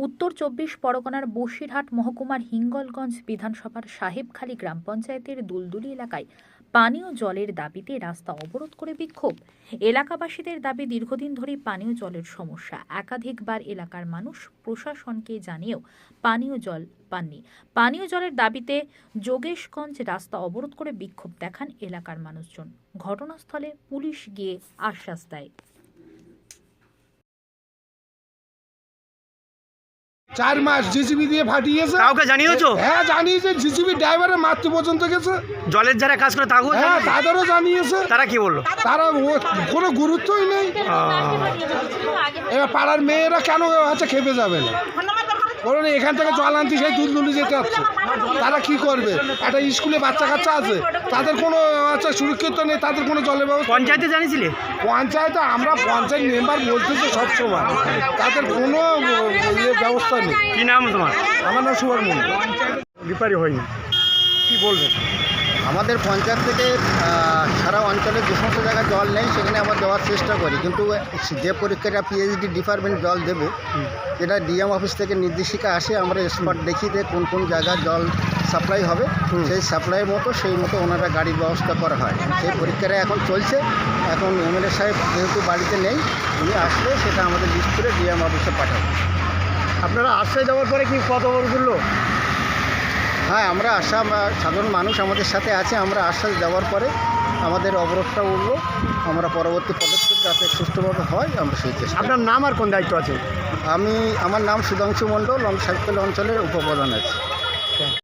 উত্তর ২৪ পরগনার বসিরহাট মহকুমার হিঙ্গলগঞ্জ বিধানসভার সাহেবখালী গ্রাম পঞ্চায়েতের দুলদুলি এলাকায় পানীয় জলের দাবিতে রাস্তা অবরোধ করে বিক্ষোভ। এলাকাবাসীদের দাবি, দীর্ঘদিন ধরে পানীয় জলের সমস্যা। একাধিকবার এলাকার মানুষ প্রশাসনকে জানিয়েও পানীয় জল পাননি। পানীয় জলের দাবিতে যোগেশগঞ্জ রাস্তা অবরোধ করে বিক্ষোভ দেখান এলাকার মানুষজন। ঘটনাস্থলে পুলিশ গিয়ে আশ্বাস দেয়। 4 মাস জিসিবি দিয়ে ফাটিয়েছে। কাউকে জানিয়েছো? হ্যাঁ জানিয়েছে, জিসিবি ড্রাইভারের মারতে পর্যন্ত গেছে। জলের যারা কাজ করে তাকেও হ্যাঁ জানিয়েছো? তাদেরও জানিয়েছে। তারা কি বললো? তারা কোনো গুরুত্বই নেই। এবার পাড়ার মেয়েরা কেন খেপে যাবে না? বলুন, এখান থেকে জল আনতে সেই দুলদুলি যেতে হচ্ছে। তারা কি করবে? একটা স্কুলে বাচ্চা কাচ্চা আছে, তাদের কোনো সুরক্ষিত নেই, তাদের কোনো জলের ব্যবস্থা। পঞ্চায়েতে জানিয়েছিলে? পঞ্চায়েতে আমরা পঞ্চায়েত মেম্বার বলতেছি সবসময়, তাদের কোনো ব্যবস্থা নেই। কি নাম তোমার? আমার নাম সুভাষ মন্ডল। রিপারি হয়নি, কি বলবেন? আমাদের পঞ্চায়েত থেকে সারা অঞ্চলে যে সমস্ত জায়গায় জল নেই সেখানে আমরা দেওয়ার চেষ্টা করি, কিন্তু যে পরীক্ষাটা পিএইচডি ডিপার্টমেন্ট জল দেবে, যেটা ডিএম অফিস থেকে নির্দেশিকা আসে, আমরা স্পট দেখি যে কোন কোন জায়গায় জল সাপ্লাই হবে, সেই সাপ্লাইয়ের মতো সেই মতো ওনারা গাড়ির ব্যবস্থা করা হয়। সেই পরীক্ষাটা এখন চলছে। এখন এমএলএ সাহেব যেহেতু বাড়িতে নেই, উনি আসলে সেটা আমাদের লিস্ট করে ডিএম অফিসে পাঠাবো। আপনারা আশ্রয় দেওয়ার পরে কি কত বললো? হ্যাঁ, আমরা সাধারণ মানুষ আমাদের সাথে আছে। আমরা আশ্বাস দেওয়ার পরে আমাদের অবরোধটা উঠলো। আমরা পরবর্তী পদক্ষেপ যাতে সুষ্ঠুভাবে হয় আমরা সেই চেষ্টা। আপনার নাম আর কোন দায়িত্ব আছে? আমার নাম সুধাংশু মণ্ডল, আমি সাহেবখালী অঞ্চলের উপপ্রধান আছি।